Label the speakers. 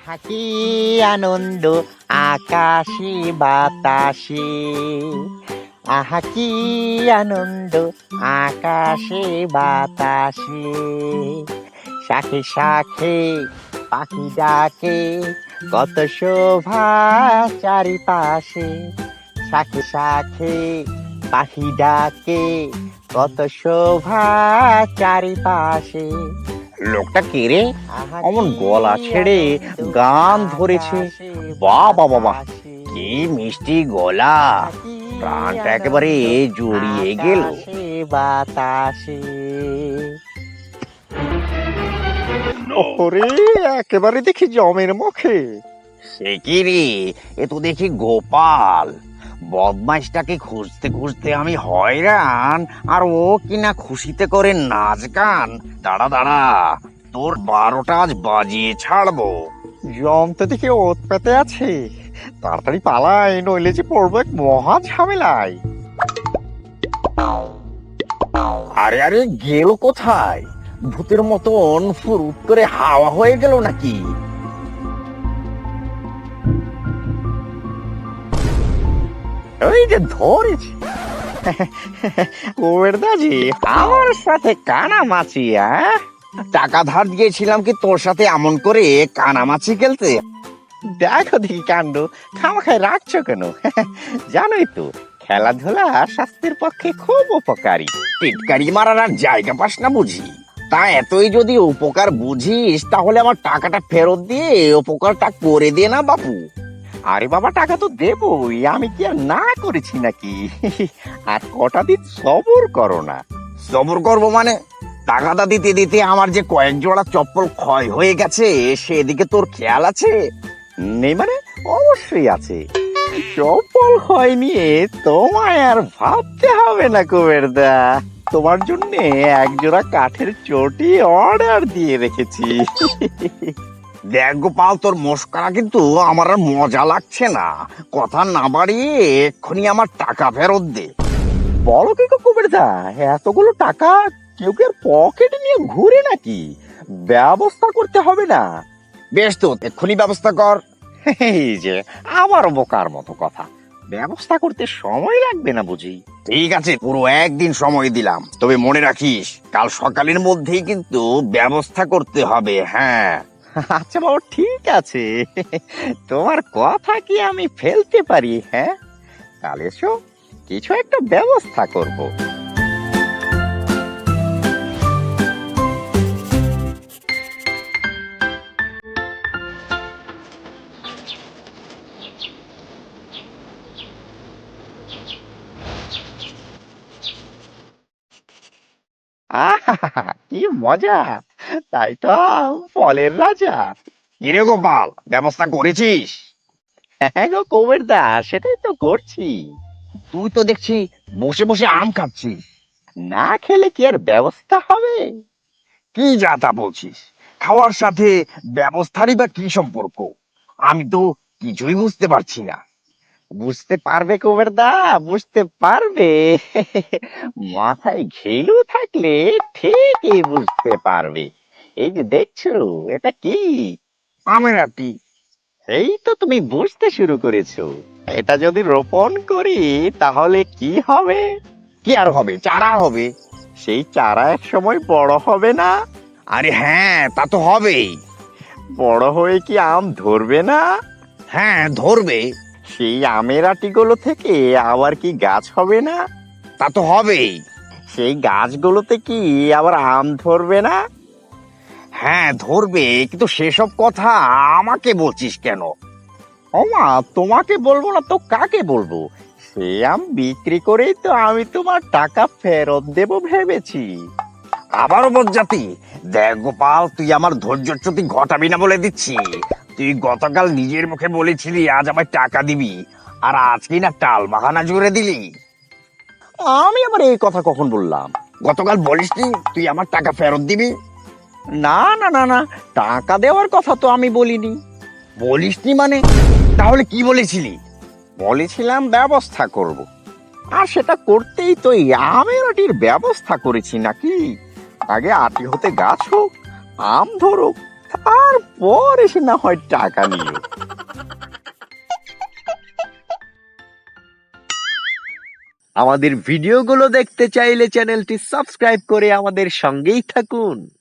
Speaker 1: আহা কি আনন্দ আকাশে বাতাসে, আহা কি আনন্দ আকাশে বাতাসে, শাখে শাখে পাখি ডাকে, কত শোভা চারিপাশে, শাখে শাখে পাখি ডাকে, কত শোভা চারিপাশে।
Speaker 2: লোকটা কে রে? অমন গলা ছেড়ে গান ধরেছে। বাহ বাহ বাহ, কি মিষ্টি গলা, প্রাণটা একেবারে জড়িয়ে গেল।
Speaker 1: বাতাসে
Speaker 2: ওরে, একেবারে দেখি জমের মুখে। সে কি রে, এ তো দেখি গোপাল। বদমাইশটাকে খুঁজতে খুঁজতে আমি হয়রান, আর ও কিনা খুশিতে করে নাচ গান। দাঁড়া দাঁড়া, তোর 12টা আজ বাজিয়ে ছাড়বো।
Speaker 1: জম তো দেখি ওত পেতে আছে, তাড়াতাড়ি পালাই, নইলে যে পড়বো এক মহা ঝামেলায়।
Speaker 2: আরে আরে, গেল কোথায়? ভূতের মতন ফুরুত করে হাওয়া হয়ে গেল নাকি?
Speaker 1: ওই যে ধরেছি। কুবেরদাজি, আমার সাথে কানামাছি?
Speaker 2: টাকা ধার দিয়েছিলাম কি তোর সাথে এমন করে কানামাছি খেলতে?
Speaker 1: দেখো দেখি কাণ্ড, খামাখায় রাখছো কেন? জানোই তো খেলাধুলা স্বাস্থ্যের পক্ষে খুব উপকারী।
Speaker 2: টিটকারি মারার আর জায়গা পাস না বুঝি? তা এতই যদি উপকার বুঝিস, তাহলে আমার টাকাটা ফেরত দিয়ে উপকারটা করে দে না বাপু।
Speaker 1: আরে বাবা, টাকা তো দেবই, আমি কি আর না করেছি নাকি? আর কটা দিন সবর করো না।
Speaker 2: সবর করবো মানে? টাকাটা দিতে দিতে আমার যে কয়েক জোড়া চপ্পল ক্ষয় হয়ে গেছে, সেদিকে তোর খেয়াল আছে?
Speaker 1: নেই মানে? অবশ্যই আছে। চপ্পল হয় নিয়ে তোমায় আর ভাবতে হবে না কুবেরদা, তোমার জন্য এক জোড়া কাঠের চটি অর্ডার দিয়ে রেখেছি।
Speaker 2: দেখ গোপাল, তোর মস্করা কিন্তু আমার আর মজা লাগছে না। কথা না বাড়িয়ে এক্ষুনি আমার টাকা ফেরত দে।
Speaker 1: বলো কি গো কুবেরদা, এতগুলো টাকা কেউ কি আর পকেটে নিয়ে ঘুরে নাকি? ব্যবস্থা করতে হবে না?
Speaker 2: বেশ তো, এক্ষুনি ব্যবস্থা কর।
Speaker 1: এই যে আবার বোকার মতো কথা, ব্যবস্থা করতে সময় লাগবে না বুঝি?
Speaker 2: ঠিক আছে, পুরো একদিন সময় দিলাম, তবে মনে রাখিস কাল সকালের মধ্যেই কিন্তু ব্যবস্থা করতে হবে। হ্যাঁ
Speaker 1: আচ্ছা বাবা, ঠিক আছে, তোমার কথা কি আমি ফেলতে পারি? হ্যাঁ, তাহলে এসো, কিছু একটা ব্যবস্থা করব। আহা, কি মজা! তাই তো, ফলের রাজা।
Speaker 2: কিরে গোপাল, ব্যবস্থা করেছিস?
Speaker 1: হ্যাঁ গো কুবেরদা, সেটাই তো করছি।
Speaker 2: তুই তো দেখছি বসে বসে আম খাচ্ছিস।
Speaker 1: না খেলে কি আর ব্যবস্থা হবে?
Speaker 2: কি যা তা বলছিস? খাওয়ার সাথে ব্যবস্থারই বা কি সম্পর্ক? আমি তো কিছুই বুঝতে পারছি না।
Speaker 1: বুঝতে পারবে কুবেরদা, বুঝতে পারবে। মাথায় ঘিলু থাকলে ঠিকই বুঝতে পারবে। এই যে দেখছো, এটা কি?
Speaker 2: আমের আটি।
Speaker 1: এই তো তুমি বুঝতে শুরু করেছো। এটা যদি রোপণ করি তাহলে কি হবে?
Speaker 2: কি আর হবে? চারা হবে।
Speaker 1: সেই চারা এক সময় বড় হবে না?
Speaker 2: আরে হ্যাঁ, তা তো হবেই।
Speaker 1: বড় হয়ে কি আম ধরবে না?
Speaker 2: হ্যাঁ, ধরবে।
Speaker 1: সেই আমের আটিগুলো থেকে আবার কি গাছ হবে না?
Speaker 2: তা তো হবেই।
Speaker 1: সেই গাছগুলোতে কি আবার আম ধরবে না?
Speaker 2: হ্যাঁ, ধরবে, কিন্তু সেসব কথা আমাকে বলছিস কেন?
Speaker 1: ওমা, তোমাকে বলবো না তো কাকে বলবো? সে আম বিক্রি করেই তো আমি তোমার টাকা ফেরত দেব ভেবেছি।
Speaker 2: আবারও বজ্জাতি। দেখ গোপাল, তুই আমার ধৈর্যচ্যুতি ঘটাবি না বলে দিচ্ছি। তুই গতকাল নিজের মুখে বলেছিলি আজ আমায় টাকা দিবি, আর আজকে না টাল বাহানা জুড়ে দিলি।
Speaker 1: আমি আবার এই কথা কখন বললাম?
Speaker 2: গতকাল বলিসনি তুই আমার টাকা ফেরত দিবি?
Speaker 1: না না না না, টাকা দেওয়ার কথা তো আমি বলিনি।
Speaker 2: বলিসনি মানে? তাহলে কি বলেছিলি?
Speaker 1: বলেছিলাম ব্যবস্থা করব, আর সেটা করতেই তো এই আমের আটির ব্যবস্থা করেছি নাকি। আগে আটি হতে গাছ হোক, আম ধরুক, তারপর এসে না হয় টাকা নিও। আমাদের ভিডিওগুলো দেখতে চাইলে চ্যানেলটি সাবস্ক্রাইব করে আমাদের সঙ্গেই থাকুন।